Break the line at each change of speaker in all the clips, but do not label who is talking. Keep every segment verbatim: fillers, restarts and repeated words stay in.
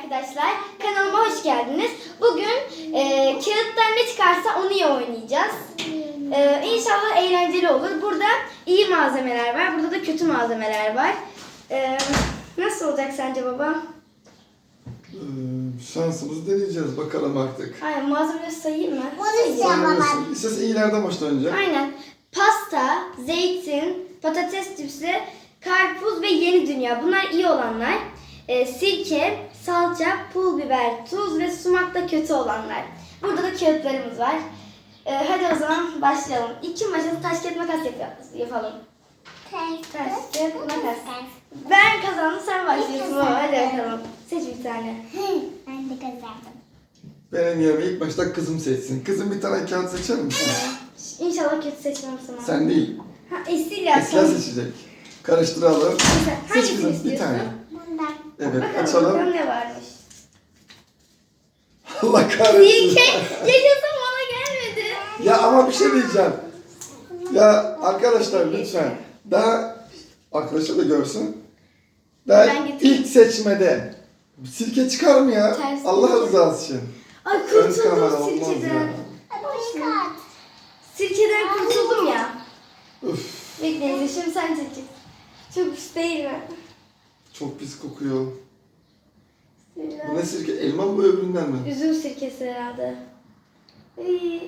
arkadaşlar. Kanalıma hoş geldiniz. Bugün e, kağıttan ne çıkarsa onu iyi oynayacağız. E, İnşallah eğlenceli olur. Burada iyi malzemeler var. Burada da kötü malzemeler var. E, nasıl olacak sence baba?
Ee, şansımızı deneyeceğiz bakalım artık.
Aynen, malzemeleri sayayım mı?
Sayabilirsin. İstersen iyilerden başla önce.
Aynen. Pasta, zeytin, patates cipsi, karpuz ve yeni dünya. Bunlar iyi olanlar. E, sirke, salça, pul biber, tuz ve sumak da kötü olanlar. Burada da kağıtlarımız var. E, hadi o zaman başlayalım. İki maçı taş kağıt makas yap yapalım. Taş kağıt makas. Ben kazandım, sen başlıyorsun baba. Hadi bakalım. Seç bir tane.
Ben de kazandım.
Benim yerime ilk başta kızım seçsin. Kızım bir tane kağıt seçer misin?
İnşallah kötü seçmem sana.
Sen değil.
Ha, Esila.
Esra seçecek. Karıştıralım. Seç
Hangisini
kızım bir
istiyorsun?
tane.
Bundan.
Evet
Bakalım,
açalım.
bakalım ne varmış.
Allah kahretsin.
Sirke. Yaşasın, bana gelmedi.
Ya ama bir şey diyeceğim. Ya arkadaşlar lütfen. Daha arkadaşlar da görsün. Daha
Ben getireyim.
ilk seçmede sirke çıkar mı ya?
Ters
Allah
değil.
rızası için.
Ay,
Ön kamera
kurtuldum
olmaz ya.
sirkeden.
Bu kağıt.
Sirkeden kurtuldum ya.
Üf,
Bekleyin, şimdi sen çekeceksin. Çok pis değil mi?
çok pis kokuyor. Bu
Bismillah.
ne sirke? Elma mı bu öbüründen mi?
Üzüm sirkesi herhalde. İyi.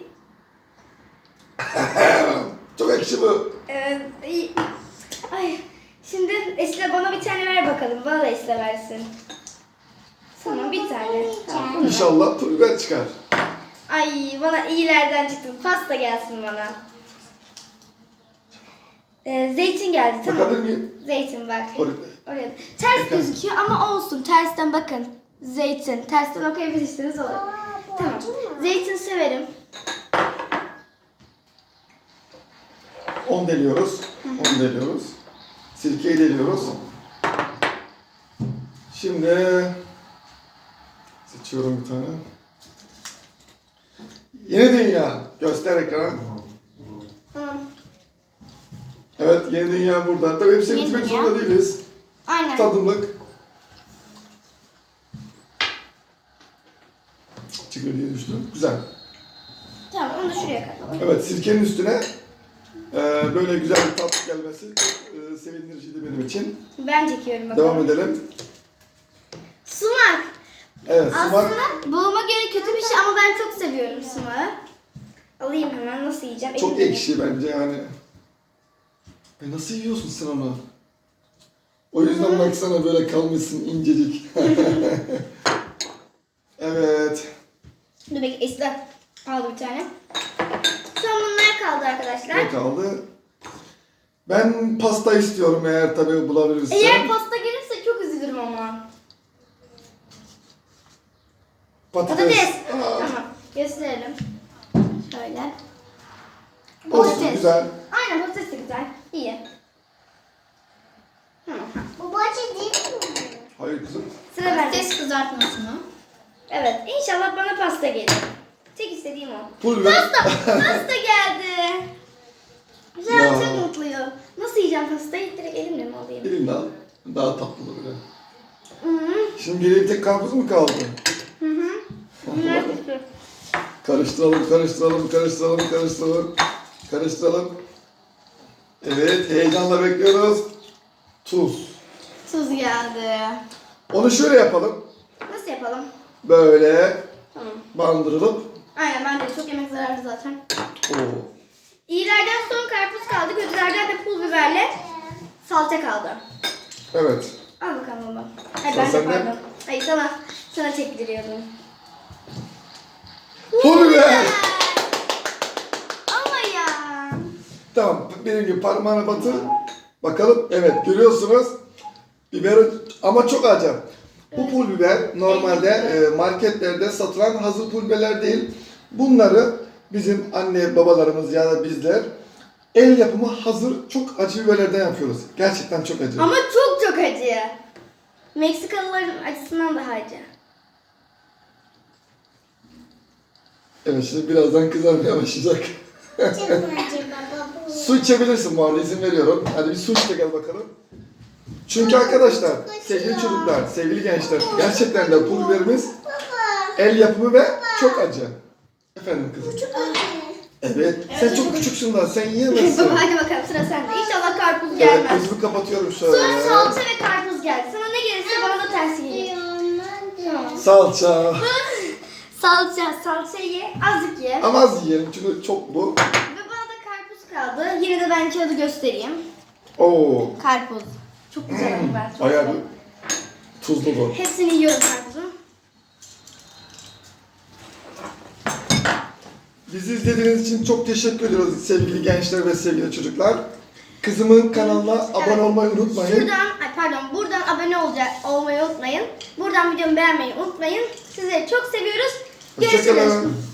Çok ekşi bu.
Evet, iyi. Ay, şimdi Esra bana bir tane ver bakalım. Bana da Esra versin. Tamam, bir tane. Tamam, bunu ver.
İnşallah pul biber çıkar.
Ay, bana iyilerden çıktı. Pasta gelsin bana. Ee, zeytin geldi, tamam.
Bakabilir miyim?
Zeytin bak.
Oraya.
Oraya. Ters
Bakın.
gözüküyor ama olsun. Tersten bakın. Zeytin. Tersten okuyabilirsiniz olur.
Aa, bu
Tamam.
acı mı?
Zeytin severim.
on deliyoruz. on deliyoruz. Sirkeyi deliyoruz. Şimdi seçiyorum bir tane. Yeni dünya. Göster ekrana.
Tamam.
Evet, yeni dünya burada. Tabii hepsini
Yeni
bitirmek
dünya.
zorunda değiliz.
Aynen.
Tadımlık. Çıkıyor diye düşündüm. Güzel.
Tamam, onu da şuraya katalım.
Evet, sirkenin üstüne e, böyle güzel bir tat gelmesi çok e, sevindiriciydi benim için.
Ben çekiyorum bakalım.
Devam edelim.
Sumak.
Evet, sumak.
Aslında babama göre kötü bir şey ama ben çok seviyorum sumağı. Alayım hemen, nasıl yiyeceğim?
Çok
Elimle.
ekşi bence yani. E nasıl yiyorsun sen onu? O yüzden baksana böyle kalmışsın incecik. Evet.
Dur bekle, Esra aldı bir tane. Son bunlar kaldı arkadaşlar.
Ne kaldı? Ben pasta istiyorum eğer tabii bulabilirsem.
Eğer pasta gelirse çok üzülürüm ama.
Patates.
Patates.
Aa,
Tamam, gösterelim. Şöyle.
olsun güzel.
Aynen, patates de güzel. İyi. Tamam.
Bu acı değil mi?
Hayır kızım.
Sıra bende.
Patates kızartmasını.
Evet, inşallah bana pasta gelir. Tek istediğim o.
Pul biber.
Pasta! Pasta geldi. Güzel,
Ya.
çok mutluyum. Nasıl yiyeceğim pastayı? Direkt elimle mi alayım?
Elimle al. Daha tatlı böyle.
Hı hı.
Şimdi geriye tek karpuz mu kaldı?
Hı hı. Bunlar kötü.
Karıştıralım, karıştıralım, karıştıralım, karıştıralım. Karıştıralım. Evet, heyecanla bekliyoruz. Tuz.
Tuz geldi.
Onu şöyle yapalım.
Nasıl yapalım?
Böyle
Tamam.
bandırılıp.
Aynen, ben de çok yemek zararlı zaten.
Oo.
İyilerden son karpuz kaldı. Kötülerden de pul biberle salça kaldı.
Evet.
Al bakalım baba. Ay,
Sıra
ben de
sende.
pardon. Ay, sana, sana çektiriyordum.
Pul biber.
Ama ya.
Tamam, benim gibi parmağına batır. Bakalım, evet görüyorsunuz. Biber ama çok acı. Bu pul biber normalde e, marketlerde satılan hazır pul biberler değil. Bunları bizim anne babalarımız ya da bizler el yapımı hazır çok acı biberlerden yapıyoruz. Gerçekten çok acı.
Ama çok çok acı. Meksikalıların acısından daha acı.
Evet şimdi birazdan kızarmaya başlayacak.
Çok mu acı baba bu?
Su içebilirsin bu arada izin veriyorum. Hadi bir su iç de gel bakalım. Çünkü arkadaşlar, sevgili çocuklar, sevgili gençler, gerçekten de pul biberimiz el yapımı ve çok acı. Efendim kızım.
Çok acı.
Evet, sen çok küçüksün daha, sen yiyemezsin.
Baba hadi bakalım sıra sende. İnşallah karpuz
Evet,
gelmez.
gözümü kapatıyorum şöyle.
Sonra salça ve karpuz geldi. Sana ne gelirse bana da tersi gelir. Tamam.
Salça.
Salça, salçayı ye, azıcık ye.
Ama az yiyelim çünkü çok bu.
Ve bana da karpuz kaldı. Yine de ben kağıdı göstereyim.
Oo,
Karpuz. Çok güzel ben çok
bayağı
severim.
bir tuzlu bu.
Hepsini yiyorum karpuzu.
Bizi izlediğiniz için çok teşekkür ediyoruz sevgili gençler ve sevgili çocuklar. Kızımın kanalına abone
Evet.
olmayı unutmayın.
Şuradan, ay pardon, buradan abone olacak, olmayı unutmayın. Buradan videomu beğenmeyi unutmayın. Sizleri çok seviyoruz. Görüşürüz.
Hoşçakalın.